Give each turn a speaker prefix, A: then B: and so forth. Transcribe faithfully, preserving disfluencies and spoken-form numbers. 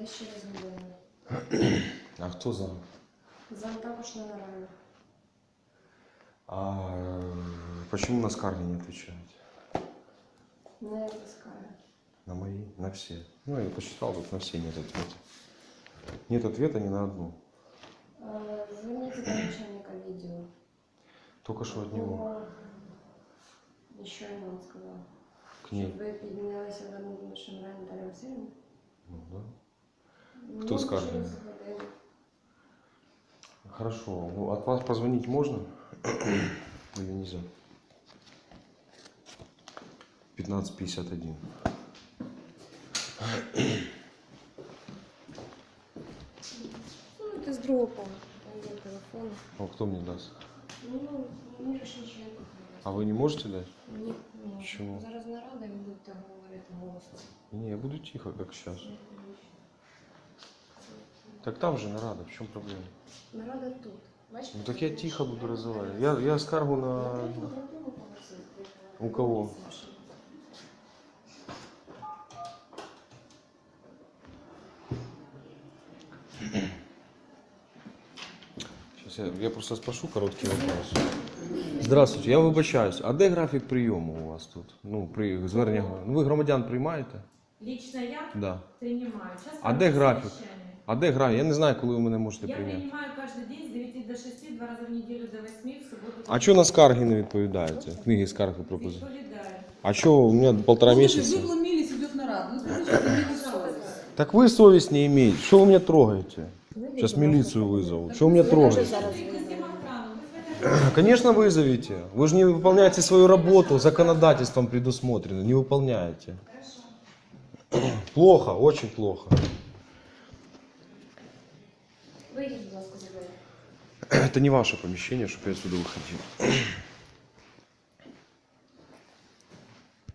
A: десь через годину.
B: А хто зам?
A: Зам також на нараді.
B: А почему на скарги не отвечаете?
A: Не відпускаю.
B: На мои? На все. Ну, я посчитал, тут на все нет ответа. Нет ответа ни на одну.
A: Е, Зверніться до начальника відділу.
B: Только что от него.
A: І що я вам сказала?
B: К ней.
A: Щоб ви піднялися в одну з Шамрай Наталію Васильівну?
B: Ну, да.
A: Ну,
B: Хто скаже?
A: через годину.
B: Хорошо. Ну, от вас позвонить можно? Или нельзя? пятнадцать пятьдесят один.
A: Ну, це з другого поверху. Там є телефон.
B: А кто мне даст?
A: Ну, мені ж нічого не потрібно.
B: А вы не можете дать?
A: Ні, ні.
B: Чому?
A: Зараз нарада і ви будете говорити голосно.
B: Не, я буду тихо, как сейчас. Так там же нарада, в чем проблема?
A: Нарада тут. Бачите?
B: Ну так я тихо буду разговаривать. Я, я скаргу на...
A: На другому поверсі.
B: У кого? Сейчас я, я просто спрошу короткий вопрос. Здравствуйте, я вибачаюсь. А де графік прийому у вас тут? Ну, при звернення. Ну, ви громадян приймаєте?
C: Лично я
B: Да.
C: принимаю. Сейчас
B: А де графік?
C: совещание.
B: А де графік? Я не знаю, коли ви мене можете
C: Я
B: прийняти.
C: принимаю каждый день с девяти до шести, два раза в неделю до восьми, в субботу.
B: А чого на скарги не відповідаєте? Книги скарг і пропозицій.
C: Відповідаю.
B: А що, у мене полтора месяца?
D: Вы вломились, идет нарад. Ну, скажите, что не совесть.
B: Так вы совесть не имеете. Что вы меня трогаете? Сейчас милицию вызову. Что вы меня трогаете?
C: Вызвать охрану, вызвать
B: Конечно, вызовите. Вы же не выполняете свою работу, законодательством предусмотрено. Не выполняете. Плохо, очень плохо.
A: Вийдіть, будь ласка, за двері.
B: Это не ваше помещение, чтобы я отсюда выходил.